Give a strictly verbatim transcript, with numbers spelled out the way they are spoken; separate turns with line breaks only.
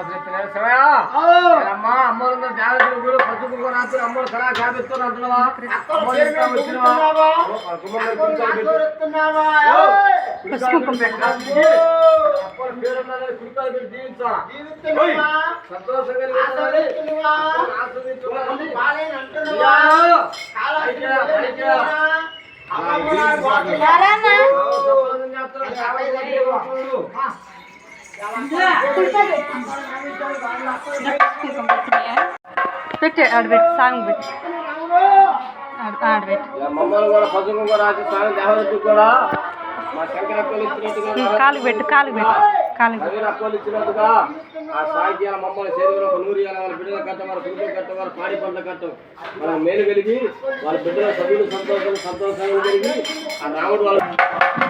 అమ్మ అమ్మలు జాగ్రత్తలు కూడా పసుపు రాత్రి అమ్మలు సరా జాబిస్తాను అంటున్నావా
పెట్టే ఆడబెట్టి సాంగ్ పెట్టి ఆడబెట్టి
మమ్మల్ని కూడా పసుపు కూడా రాసి స్వామి దేవతకు కూడా మా శంకర అక్కలు ఇచ్చినట్టుగా
కాలు పెట్టు కాలు పెట్టు కాలు
నవీన అక్కలు ఇచ్చినట్టుగా ఆ సాహిత్యాల మమ్మల్ని శరీరంలో ఒక నూరు ఏళ్ళ వాళ్ళ బిడ్డలు కట్ట వారి కుటుంబం కట్ట వారి పాడి పంట కట్టం వాళ్ళ మేలు కలిగి వాళ్ళ బిడ్డల సభ్యులు సంతోషం సంతోషంగా కలిగి ఆ రాముడు వాళ్ళ